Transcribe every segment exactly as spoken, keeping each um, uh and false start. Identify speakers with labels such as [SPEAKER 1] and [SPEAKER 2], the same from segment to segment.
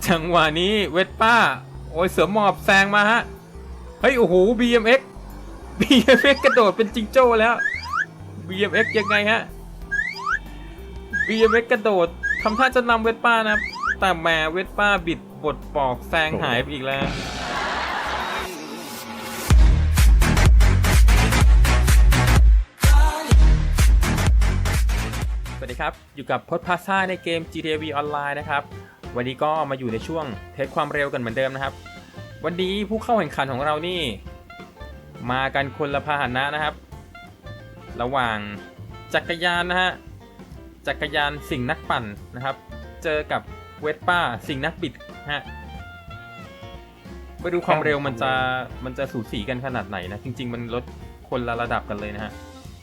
[SPEAKER 1] จังหวะนี้เวสป้าโอ้ยเสือหมอบแซงมาฮะเฮ้ยโอ้โห บี เอ็ม เอ็กซ์ บี เอ็ม เอ็กซ์ กระโดดเป็นจิงโจ้แล้ว บี เอ็ม เอ็กซ์ ยังไงฮะ บี เอ็ม เอ็กซ์ กระโดดทำท่าจะนำเวสป้านะแต่แหมเวสป้าบิดบดปอกแซงหายไปอีกแล้วสวัสดีครับอยู่กับพจน์พาซ่าในเกม จี ที เอ วี ออนไลน์นะครับวันนี้ก็มาอยู่ในช่วงเทสความเร็วกันเหมือนเดิมนะครับวันนี้ผู้เข้าแข่งขันของเรานี่มากันคนละพาหนะนะครับระหว่างจักรยานนะฮะจักรยานสิ่งนักปั่นนะครับเจอกับเวสป้าสิ่งนักบิดฮะไปดูความเร็วมันจะมันจะสูสีกันขนาดไหนนะจริงๆมันลดคนละระดับกันเลยนะฮะ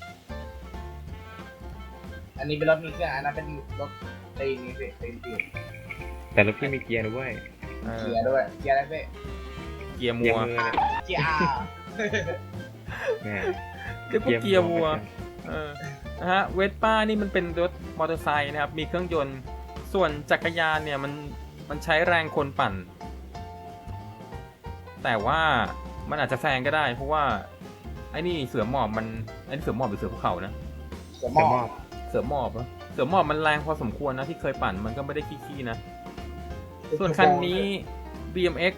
[SPEAKER 2] อันนี้เป็นรถมีเครื่องอันนั้นเป็นรถตีนนี่สิตีนตีน
[SPEAKER 3] แต่รถพี่มีเกียร์ด้วย
[SPEAKER 2] เกียร์ด้วยเกียร์อะไรพี่
[SPEAKER 1] เกียร์มั
[SPEAKER 3] เกียร์
[SPEAKER 1] ว
[SPEAKER 3] มือนะ
[SPEAKER 2] เกียร์อาร์
[SPEAKER 3] แม่
[SPEAKER 1] เรียกว่าเกียร์วัวเออนะฮะเวสป้านี่มันเป็นรถมอเตอร์ไซค์นะครับมีเครื่องยนต์ส่วนจักรยานเนี่ยมันมันใช้แรงคนปั่นแต่ว่ามันอาจจะแซงก็ได้เพราะว่าไอ้นี่เสือหมอบมันไอ้นี่เสือหมอบหรือเสือภูเขานะ
[SPEAKER 2] เสือหม
[SPEAKER 3] จะ
[SPEAKER 2] อ
[SPEAKER 3] มอ
[SPEAKER 2] บบ
[SPEAKER 1] เสือหมอบเหรอเสือหมอบมันแรงพอสมควรนะที่เคยปั่นมันก็ไม่ได้ขี้ๆนะส่วนคันนี้ บี เอ็ม เอ็กซ์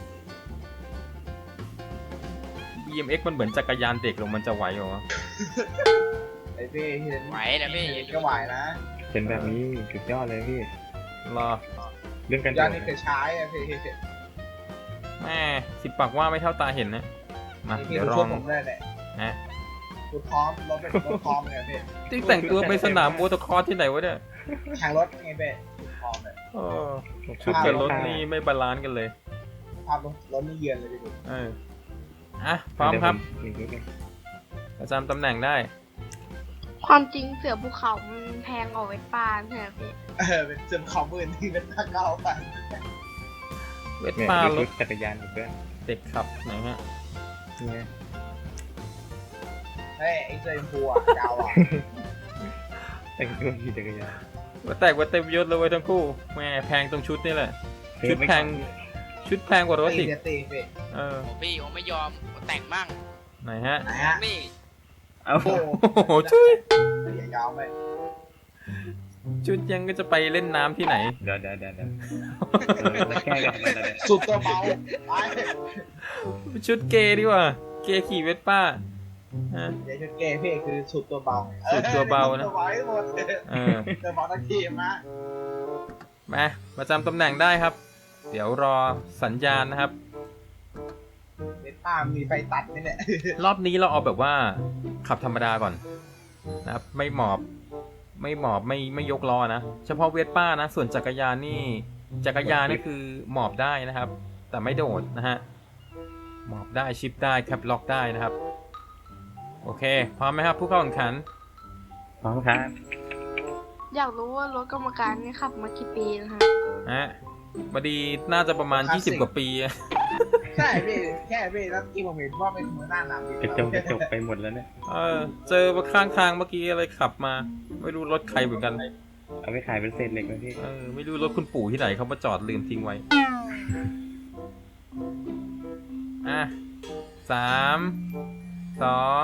[SPEAKER 1] บี เอ็ม เอ็กซ์ มันเหมือนจักรยานเด็กลงมันจะไหวเหรอ
[SPEAKER 2] ไอ้พี่เห็น
[SPEAKER 4] ไหวนะพี่
[SPEAKER 2] เห็นก็ไหวนะ
[SPEAKER 3] เป็นแบบนี้สุดยอดเลยพี่
[SPEAKER 1] รอ
[SPEAKER 3] เรื่องการ
[SPEAKER 2] ยอดนี่คือใช้อะพี่
[SPEAKER 1] แม่สิบปากว่าไม่เท่าตาเห็นนะมา
[SPEAKER 2] พี่
[SPEAKER 1] เดี๋ยว
[SPEAKER 2] ดู
[SPEAKER 1] ล
[SPEAKER 2] ชุ
[SPEAKER 1] อ
[SPEAKER 2] ด
[SPEAKER 1] ง
[SPEAKER 2] ผมเลยแหละ
[SPEAKER 1] นะ
[SPEAKER 2] ชุดพร้อมรถเป็นรถพร้อมเลยพี่
[SPEAKER 1] ที่แต่งตัวไปสนามโมโตครอสที่ไหนวะเนี่ย
[SPEAKER 2] แข่งรถไงพี่ชุดพร้อมเลย
[SPEAKER 1] เออชุดกับรถนี่ไม่บาลานซ์กันเลย
[SPEAKER 2] ภาพรถรถนี่เยือนเลยพี่ดู
[SPEAKER 1] เอออ่ะพร้อมครับ
[SPEAKER 3] เดี๋ยวผมอีกนิดนึง
[SPEAKER 1] ประจำตำแหน่งได้
[SPEAKER 5] ความจริงเสือภูเขามันแพงกว่าเวสป้าใช่ไหมพี่
[SPEAKER 2] เออเป็นเสื่อมของมือที่เป็นตะเก้าไป
[SPEAKER 1] เวส
[SPEAKER 3] เนี่ย
[SPEAKER 1] ป้า
[SPEAKER 3] มี
[SPEAKER 1] ร
[SPEAKER 3] ชุ
[SPEAKER 1] ถ
[SPEAKER 3] ดจักรยานอีกด้วย
[SPEAKER 1] เด็กขับไหนฮะ
[SPEAKER 3] เนี่ย
[SPEAKER 2] เฮ้ยไอ้เสื้อชมพูอ่ะดาวอ่ะ
[SPEAKER 3] แต่งตัวขี่จักรยาน
[SPEAKER 1] ว่าแตกว่าเต็มยศเลยเว้ยทั้งคู่แม่แพงตรงชุดนี่แหละ ชุดแพง ชุดแพงกว่ารถ
[SPEAKER 2] ตี
[SPEAKER 1] อีก
[SPEAKER 2] เดี๋ยวตีพี่
[SPEAKER 1] เออ
[SPEAKER 4] ผมพี่ผมไม่ยอมผมแต่งมั่ง
[SPEAKER 1] ไหนฮะ
[SPEAKER 2] ไหนฮะ
[SPEAKER 4] นี่
[SPEAKER 3] เอา
[SPEAKER 2] โอ้โห
[SPEAKER 1] โอ้โหชุด
[SPEAKER 2] อย่ายาวไป
[SPEAKER 1] ชุดยังก็จะไปเล่นน้ำที่ไหน
[SPEAKER 3] เดี๋ยวเดี๋ยวเดี๋ยวเดี๋ยวเออมาแก้กันมาเดี๋ยวเดี๋ยว
[SPEAKER 2] สุดตัวเบาไป
[SPEAKER 1] ชุดเกย์ดีกว่า เกย์ขี่เวสป้าฮะ
[SPEAKER 2] เดี๋ยวชุดเกย์พี่คือสุดตัวเบา
[SPEAKER 1] สุดตัวเบานะ
[SPEAKER 2] ตัวเบาให้หมด
[SPEAKER 1] เออ
[SPEAKER 2] ตัวเบาทั้งทีมนะ
[SPEAKER 1] มาประจำตำแหน่งได้ครับ เดี๋ยวรอสัญญาณนะครับ
[SPEAKER 2] เวสป้ามีไฟตัดนี่แหละ
[SPEAKER 1] รอบนี้เราเอาแบบว่าขับธรรมดาก่อนนะครับไม่หมอบไม่หมอบไม่ไม่ยกล้อนะเฉพาะเวสป้านะส่วนจักรยานนี่จักรยานนี่คือหมอบได้นะครับ แต่ไม่โดดนะฮะหมอบได้ชิปได้แคปล็อกได้นะครับโอเคพร้อมไหมครับผู้เข้าแข่งขัน
[SPEAKER 3] พร้อมครับ
[SPEAKER 5] อยากรู้ว่ารถกรรมการนี่ขับมากี่ปีแล้วฮะ
[SPEAKER 1] ฮะบดีน่าจะประมาณยี่สิบกว่าปี
[SPEAKER 2] ใช่พี่แค่พี่แล้วที่ผมเห็นว่าเป็นหัวหน้าหนำ
[SPEAKER 3] กระจงกระจกไปหมดแล้วเนี่ย
[SPEAKER 1] เออเจอมาข้างทางเมื่อกี้อะไรขับมาไม่รู้รถใครเหมือนกัน
[SPEAKER 3] เอาไปขายเป็นเศษเหล็กไหมพี่
[SPEAKER 1] เออไม่รู้รถคุณปู่ที่ไหนเขามาจอดลืมทิ้งไว้ อ่ะสามสอง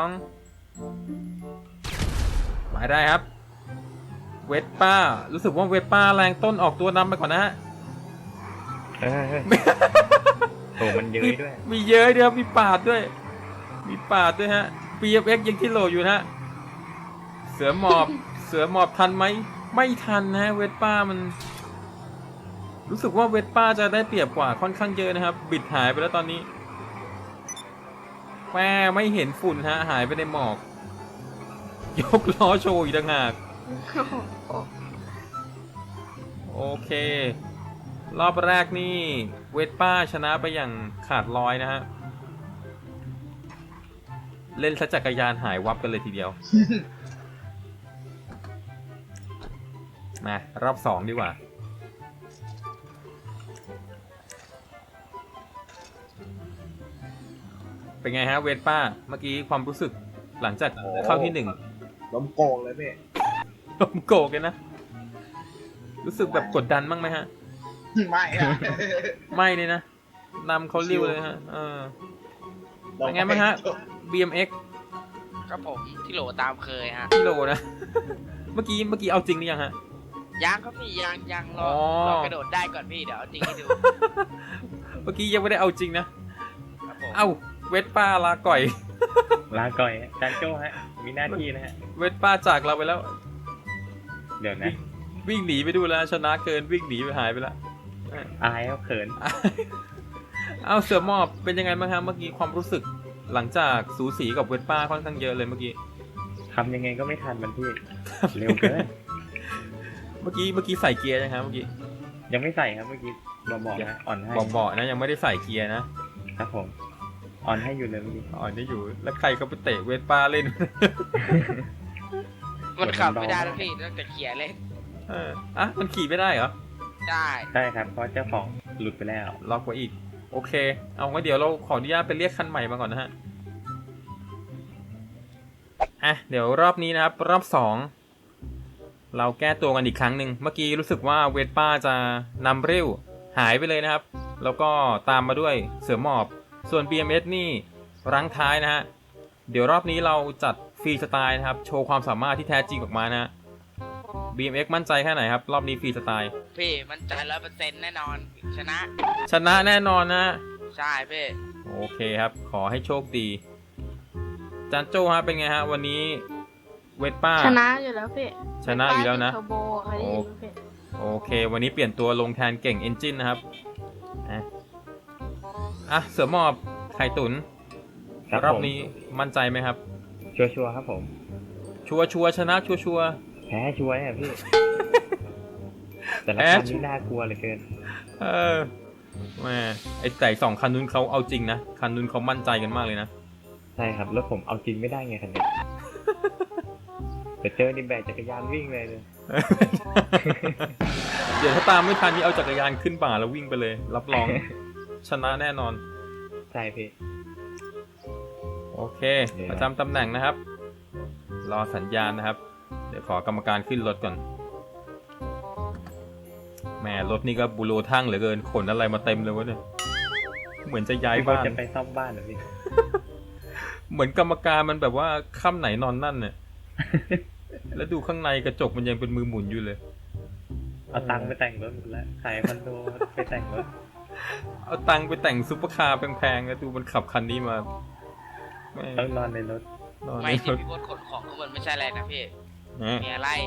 [SPEAKER 1] หมายได้ครับ เวสป้า รู้สึกว่าเวสป้าแรงต้นออกตัวนำไปก่อนนะฮะ
[SPEAKER 3] เออเออโอ้มันเย้ยด้วย
[SPEAKER 1] มีเยอะด้วยครับมีปาดด้วย มีปาดด้วยฮะ บี เอ็ม เอ็กซ์ ยังที่โหลอยู่นะฮะ เสือหมอบ เสือหมอบทันไหม ไม่ทันนะฮะเวสป้ามัน รู้สึกว่าเวสป้าจะได้เปรียบกว่าค่อนข้างเยอะนะครับ บิดหายไปแล้วตอนนี้แม่ไม่เห็นฝุ่นฮะ หายไปในหมอก ยกล้อโชว์อีกต่างหาก โอเค รอบแรกนี่เวสป้าชนะไปอย่างขาดลอยนะฮะ เล่นซะจักรยานหายวับกันเลยทีเดียว มารอบสองดีกว่า เป็นไงฮะเวสป้า เมื่อกี้ความรู้สึกหลังจากเข้าที่หนึ่ง
[SPEAKER 2] ล้มโกงเลยพี่
[SPEAKER 1] ลมโกกเลยนะ รู้สึกแบบกดดันบ้างไหมฮะ
[SPEAKER 2] ไม่อะ
[SPEAKER 1] ไม่เลยนะนำเขาริ้วเลยฮะเออเป็นไงบ้างฮะ บี เอ็ม เอ็กซ์
[SPEAKER 4] ครับผมที่โหลตามเคยฮะ
[SPEAKER 1] กิโลนะ เมื่อกี้เมื่อกี้เอาจริงหรือยังฮะ
[SPEAKER 4] ยังครับพี่ยังยังรอ
[SPEAKER 1] อ๋อ
[SPEAKER 4] รอกระโดดได้ก่อนพี่เดี๋ยวเอาจริงให้ดู
[SPEAKER 1] เมื่อกี้ยังไม่ได้เอาจริงนะ
[SPEAKER 4] ครับผม
[SPEAKER 1] เอ้าเวทป้าลาก่อย
[SPEAKER 3] ลาก่อยจานโจ้ฮะ มีหน้าที่นะฮะ
[SPEAKER 1] เวทป้าจากเราไปแล้ว
[SPEAKER 3] เดี๋ยวนะ
[SPEAKER 1] วิ่งหนีไปดูแล้วชนะเกินวิ่งหนีไปหายไปแล้ว
[SPEAKER 3] อายเขาเขิน
[SPEAKER 1] เอาเสือหมอบเป็นยังไงบ้างครับเมื่อกี้ความรู้สึกหลังจากสูสีกับเวทป้าค่อนข้างเยอะเลยเมื่อกี้
[SPEAKER 3] ทำยังไงก็ไม่ทันมันพี่ เร็วเกิน
[SPEAKER 1] เมื่อกี้เมื่อกี้ใส่เกียร์ยังครับเมื่อกี้
[SPEAKER 3] ยังไม่ใส่ครับเมื่อกี้บอกๆนะอ่อนให้
[SPEAKER 1] บอกบอกๆนะยังไม่ได้ใส่เกียร์นะครับ
[SPEAKER 3] ผม อ่อนให้อยู่เลยเมื่อกี้
[SPEAKER 1] อ๋อนี่อยู่แล้วใครก็ไปเตะเวทป้าเล่น
[SPEAKER 4] มันขับไม่ได้แล้วพี่ตั้งแต่เขี่ยเล่น
[SPEAKER 1] เอออ่ะมันขี่ไม่ได้เหรอ
[SPEAKER 4] ได้
[SPEAKER 3] ใช่ครับ เพราะเจ้าของหลุดไปแล้ว
[SPEAKER 1] ล็อกไว้อีกโอเคเอางั้นเดี๋ยวเราขออนุญาตไปเรียกคันใหม่มาก่อนนะฮะอ่ะเดี๋ยวรอบนี้นะครับรอบสองเราแก้ตัวกันอีกครั้งหนึ่งเมื่อกี้รู้สึกว่าเวทป้าจะนำเร็วหายไปเลยนะครับแล้วก็ตามมาด้วยเสือหมอบส่วน บี เอ็ม เอส นี่รั้งท้ายนะฮะเดี๋ยวรอบนี้เราจัดฟรีสไตล์นะครับโชว์ความสามารถที่แท้จริงออกมานะฮะ บี เอ็ม เอ็กซ์ มั่นใจแค่ไหนครับรอบนี้ฟรีสไตล์
[SPEAKER 4] พี่มันใจร้อยเปอร์เซ็นต์แน่นอนชนะ
[SPEAKER 1] ชนะแน่นอนนะ
[SPEAKER 4] ใช่พี่
[SPEAKER 1] โอเคครับขอให้โชคดีจานโจ้ฮะเป็นไงฮะวันนี้เวทป้า
[SPEAKER 5] ชนะอยู่แล้วพี่
[SPEAKER 1] ชนะอยู่แล้วนะ
[SPEAKER 5] เทอร์โบเคยได้ยินไหมพี่
[SPEAKER 1] โอเค วันนี้เปลี่ยนตัวลงแทนเก่งเอนจินนะครับอ่ะอ่ะเสือหมอบไข่ตุน
[SPEAKER 3] ครับ
[SPEAKER 1] รอบ
[SPEAKER 3] ผม
[SPEAKER 1] นี้มั่นใจไหมครับ
[SPEAKER 3] ชัวร์ๆครับผม
[SPEAKER 1] ชัวร์ชัวร์ชนะชัวร์ชัวร์
[SPEAKER 3] แพ้ชัวร์เนี่ยพี่ แต่ละ
[SPEAKER 1] แพ้
[SPEAKER 3] คัน
[SPEAKER 1] ชัวร์
[SPEAKER 3] นี่น่ากลัวเหลือเกิน
[SPEAKER 1] เออแหม่ไอแต่สองคันนู้นเขาเอาจริงนะคันนู้นเขามั่นใจกันมากเลยนะ
[SPEAKER 3] ใช่ครับแล้วผมเอาจริงไม่ได้ไงคันเนี้ยแต่เจอนี่แบกจักรยานวิ่งเลยเลย
[SPEAKER 1] เดี๋ยวถ้าตามไม่ทันนี่เอาจักรยานขึ้นป่าแล้ววิ่งไปเลย รับรอง ชนะแน่นอน
[SPEAKER 3] ใช่พี่
[SPEAKER 1] โอเค
[SPEAKER 3] เดี๋ยว
[SPEAKER 1] ประจำตำแหน่งนะครับ รอสัญญาณนะครับ เดี๋ยวขอกรรมการขึ้นรถก่อนแหมรถนี่ก็บูโรทั่งเหลือเกินขนอะไรมาเต็มเลยวะเนี่ยเหมือนจะย้าย
[SPEAKER 3] พี่บอล
[SPEAKER 1] บ้าน
[SPEAKER 3] จะไปซ่อมบ้านเหรอพี่
[SPEAKER 1] เหมือนกรรมการมันแบบว่าค่ำไหนนอนนั่นเนี่ย แล้วดูข้างในกระจกมันยังเป็นมือหมุนอยู่เลย
[SPEAKER 3] เอาตังค์ไปแต่งรถหมดแล้วขายคอนโดไปแต่งรถ
[SPEAKER 1] เอาตังค์ไปแต่งซุปเปอร์คาร์แพงๆแล้วดูมันขับคันนี้มาแม่
[SPEAKER 3] ต้องนอนในรถ
[SPEAKER 1] นอน
[SPEAKER 4] ไม่
[SPEAKER 1] ใน
[SPEAKER 4] ที่
[SPEAKER 1] รถ
[SPEAKER 4] พี่บดขนของข้างบนไม่ใช่อะไรนะพี่
[SPEAKER 1] นะ
[SPEAKER 4] เมียไล่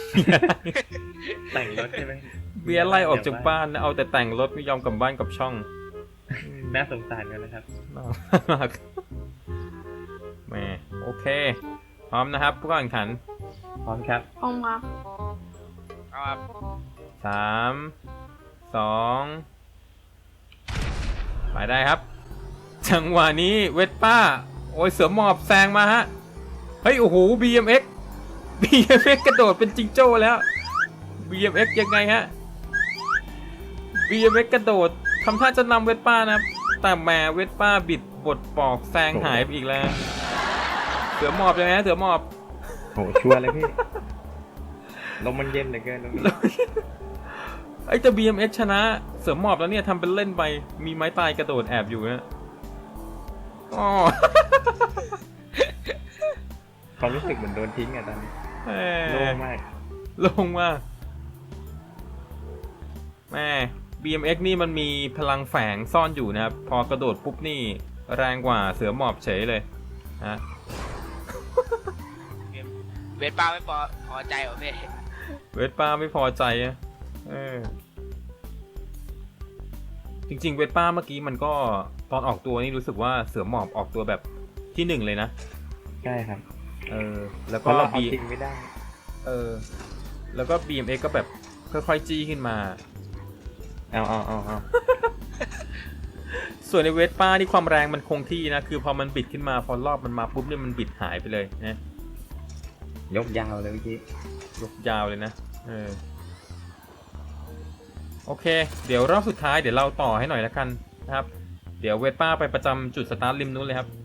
[SPEAKER 3] แต่งรถใช่ไหม
[SPEAKER 1] เบียร์ไล่ออกจากบ้านนะเอาแต่แต่งรถไม่ยอมกลับบ้านกลับช่อง
[SPEAKER 3] น่าสงสารกันนะครับ
[SPEAKER 1] น่ามากแหมโอเค พร้อมนะครับผู้แข่งขัน
[SPEAKER 3] พร้อมครับ
[SPEAKER 5] พร้อมครับ
[SPEAKER 4] เอาครับ
[SPEAKER 1] สามสองไปได้ครับ จังหวะนี้เวทป้า โอ้ยเสือหมอบแซงมาฮะ เฮ้ย โอ้โห บี เอ็ม เอ็กซ์ บี เอ็ม เอ็กซ์ กระโดดเป็นจิงโจ้แล้ว บี เอ็ม เอ็กซ์ ยังไงฮะ บี เอ็ม เอ็กซ์ กระโดดทำท่าจะนำเวทป้านะครับ แต่แหมเวทป้าบิดบดปอกแซงหายไปอีกแล้ว เสือหมอบยังไงฮะเสือหมอบ
[SPEAKER 3] โหชัวร์เลยพี่ ลมมันเย็นเหลือเกินตรงนี้
[SPEAKER 1] ไอ้เจะ บี เอ็ม เอ็กซ์ ชนะเสือหมอบแล้วเนี่ยทำเป็นเล่นไปมีไม้ตายกระโดดแอบอยู่นะอ๋อ
[SPEAKER 3] ความรู้สึกเหมือนโดนทิ้งอะตอนนี้
[SPEAKER 1] แห
[SPEAKER 3] โล่
[SPEAKER 1] ม่
[SPEAKER 3] งมาก
[SPEAKER 1] ลงมาแม่ บี เอ็ม เอ็กซ์ นี่มันมีพลังแฝงซ่อนอยู่นะครับ พอกระโดดปุ๊บนี่แรงกว่าเสือหมอบเฉยเลยนะ
[SPEAKER 4] เวทป้าไม่พอพอใจเหรอพี่
[SPEAKER 1] เวทป้าไม่พอใจอะเออจริงๆเวทป้าเมื่อกี้มันก็ตอนออกตัวนี่รู้สึกว่าเสือหมอบออกตัวแบบที่หนึ่งเลยนะ
[SPEAKER 3] ใช่ครับ
[SPEAKER 1] เออแล้ว
[SPEAKER 3] เพ
[SPEAKER 1] ก็
[SPEAKER 3] ราะเราเอา
[SPEAKER 1] บี
[SPEAKER 3] จริงไม่ได้
[SPEAKER 1] เออแล้วก็ บี เอ็ม เอ็กซ์ ก็แบบค่อยๆจี้ขึ้นมา
[SPEAKER 3] เอาเอาเอาเอา
[SPEAKER 1] ส่วนในเวสป้านี่ความแรงมันคงที่นะคือพอมันบิดขึ้นมาพอรอบมันมาปุ๊บเนี่ยมันบิดหายไปเลยนะ
[SPEAKER 3] ยกยาวเลยเมื่อกี้
[SPEAKER 1] ยกยาวเลยนะเออโอเค เดี๋ยวรอบสุดท้ายเดี๋ยวเราต่อให้หน่อยละกันนะครับ เดี๋ยวเวสป้าไปประจำจุดสตาร์ทริมนู้นเลยครับ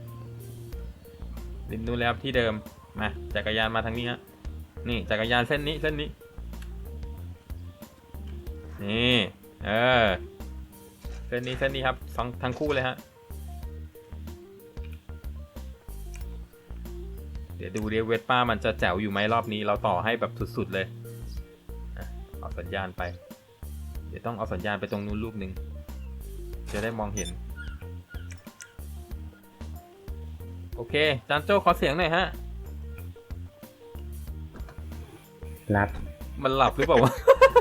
[SPEAKER 1] ริมนู้นเลยครับที่เดิมมาจักรยานมาทางนี้ฮะนี่จักรยานเส้นนี้เส้นนี้นี่เออเส้นนี้เส้นนี้ครับสองทั้งคู่เลยฮะเดี๋ยวดูเรียเวสป้ามันจะแจ๋วอยู่ไหมรอบนี้เราต่อให้แบบสุดๆเลยอ่ะเอาสัญญาณไปเดี๋ยวต้องเอาสัญญาณไปตรงนู้นลูกหนึ่งจะได้มองเห็นโอเคจานโจ้ขอเสียงหน่อยฮะ
[SPEAKER 3] รับ
[SPEAKER 1] มันหลับหรือเปล่าวะ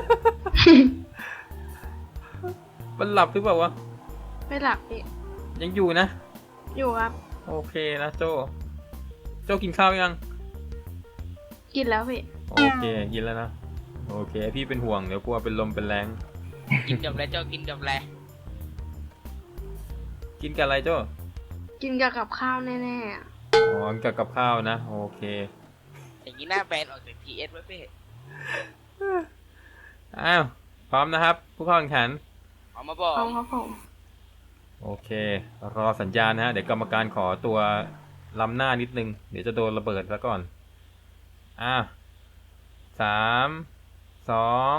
[SPEAKER 1] มันหลับหรือเปล่าวะ
[SPEAKER 5] ไม่หลับพี่
[SPEAKER 1] ยังอยู่นะ
[SPEAKER 5] อยู่ครับ
[SPEAKER 1] โอเคนะโจโจกินข้าวยัง
[SPEAKER 5] กินแล้วพี่
[SPEAKER 1] โอเคกินแล้วนะโอเคพี่เป็นห่วงเดี๋ยวกลัวเป็นลมเป็นแรง
[SPEAKER 4] กินกับอะไรเจ้ากินกับอะไร
[SPEAKER 1] กินกับอะไรโจ
[SPEAKER 5] กินกับกับข้าวแน่ๆอะ
[SPEAKER 1] อ๋อกับกับข้าวนะโอเค
[SPEAKER 4] อย่างนี้หน้าแบนออกจากทีเอสไว้พี่
[SPEAKER 1] อ้าวพร้อมนะครับ ผู้เข้าแข่งขัน
[SPEAKER 4] เอามาบอก
[SPEAKER 5] เอาครับผม
[SPEAKER 1] โอเครอสัญญาณนะฮะเดี๋ยวกรรมการขอตัวล้ำหน้านิดนึงเดี๋ยวจะโดนระเบิดซะก่อนอ่ะสามสอง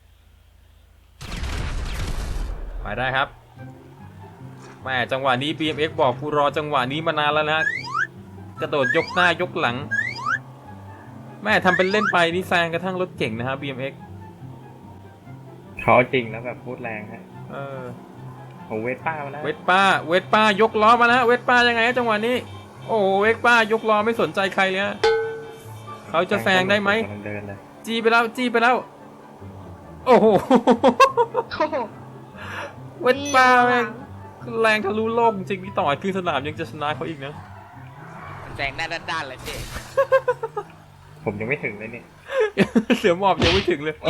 [SPEAKER 1] ไปได้ครับแม่จังหวะนี้ บี เอ็ม เอ็กซ์ บอกกูรอจังหวะนี้มานานแล้วนะกระโดดยกหน้ายกหลังแม่ทำเป็นเล่นไปนี่แซงกระทั่งรถเก่งนะฮะ บี เอ็ม เอ็กซ์
[SPEAKER 3] เขาจริงแล้วแบบพูดแรงฮะ
[SPEAKER 1] เออ
[SPEAKER 3] ผมเวทป้ามาแล้ว
[SPEAKER 1] เวทป้าเวทป้ายกล้อมาแล้วเวทป้ายังไงฮะจังหวะนี้โอ้โหเวทป้ายกล้อไม่สนใจใครเลยฮะเขาจะแซงได้ไหม
[SPEAKER 3] กำลังเดินเลย
[SPEAKER 1] จี้ไปแล้วจี้ไปแล้วโอ้โห
[SPEAKER 5] โอ้โห
[SPEAKER 1] เวทป้าแม่งแรงทะลุโลกจริงพี่ต่อยคือสนามยังจะชนะเขาอีกนะ
[SPEAKER 4] มันแซงหน้าด้านๆเลยพี่
[SPEAKER 3] ผมยังไม่ถึงเลยเนี่ย
[SPEAKER 1] เสือหมอบยังไม่ถึงเลย
[SPEAKER 3] โอ้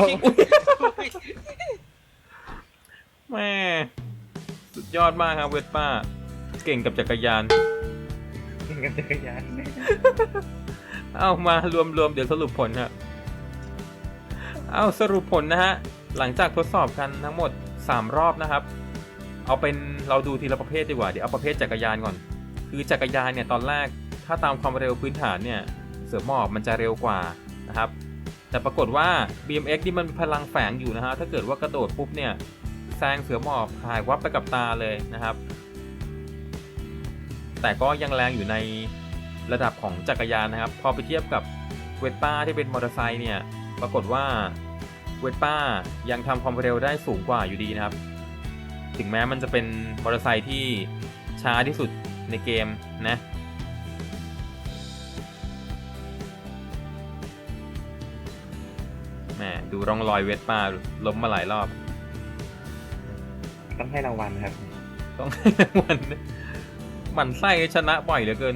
[SPEAKER 1] แม่สุดยอดมากครับเวทป้าเก่งกับจักรยาน
[SPEAKER 3] ยิงกับจักรยาน
[SPEAKER 1] เอามารวมรวมเดี๋ยวสรุปผลฮะเอาสรุปผลนะฮะหลังจากทดสอบกันทั้งหมดสามรอบนะครับเอาเป็นเราดูทีละประเภทดีกว่าเดี๋ยวเอาประเภทจักรยานก่อนคือจักรยานเนี่ยตอนแรกถ้าตามความเร็วพื้นฐานเนี่ยเสือหมอบมันจะเร็วกว่านะครับแต่ปรากฏว่า บี เอ็ม เอ็กซ์ นี่มันมีพลังแฝงอยู่นะฮะถ้าเกิดว่ากระโดดปุ๊บเนี่ยแซงเสือหมอบหายวับไปกับตาเลยนะครับแต่ก็ยังแรงอยู่ในระดับของจักรยานนะครับพอไปเทียบกับเวสป้าที่เป็นมอเตอร์ไซค์เนี่ยปรากฏว่าเวสป้ายังทำความเร็วได้สูงกว่าอยู่ดีนะครับถึงแม้มันจะเป็นมอเตอร์ไซค์ที่ช้าที่สุดในเกมนะแหมดูร่องรอยเวสป้าล้มมาหลายรอบ
[SPEAKER 3] ต้องให้รางวัลครับ
[SPEAKER 1] ต้องให้รางวัลนะหมั่นไส้ชนะบ่อยเหลือเกิน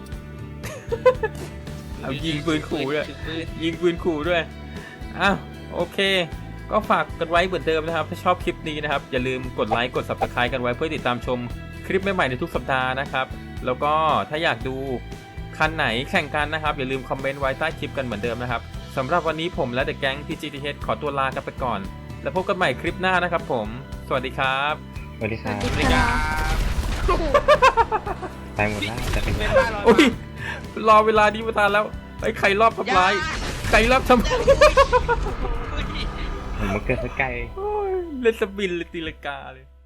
[SPEAKER 1] เอายิงปืนขู่ด้วย
[SPEAKER 4] ถือปืน
[SPEAKER 1] ยิงปืนขู่ด้วยอ้าวโอเค ก็ฝากกันไว้เหมือนเดิมนะครับ ถ้าชอบคลิปนี้นะครับ อย่าลืมกดไลค์กด ซับสไครบ์ กันไว้เพื่อติดตามชมคลิปใหม่ๆในทุกสัปดาห์นะครับ แล้วก็ถ้าอยากดูคันไหนแข่งกันนะครับ อย่าลืมคอมเมนต์ไว้ใต้คลิปกันเหมือนเดิมนะครับสำหรับวันนี้ผมและเดอะแก๊ง พี จี ที เอช ขอตัวลากันไปก่อน แล้วพบกันใหม่คลิปหน้านะครับผมสวัสดีครับ
[SPEAKER 3] สวัสดีครับ
[SPEAKER 5] สวัส
[SPEAKER 4] บ
[SPEAKER 5] ดี
[SPEAKER 4] ริ
[SPEAKER 5] ค
[SPEAKER 4] การ
[SPEAKER 5] โอ้โห
[SPEAKER 3] ไปหมดแล้วจะเป็น
[SPEAKER 4] เป็น
[SPEAKER 3] ไง
[SPEAKER 4] บ้านเรา
[SPEAKER 1] โอ้ยรอเวลานี้มาทานแล้วไอ้ใครรอบทำร้ายใครรอบทำ
[SPEAKER 3] ผมมาเกิดสกาย
[SPEAKER 1] โอ้ยเล่นสปินเลยตีลังกาเลย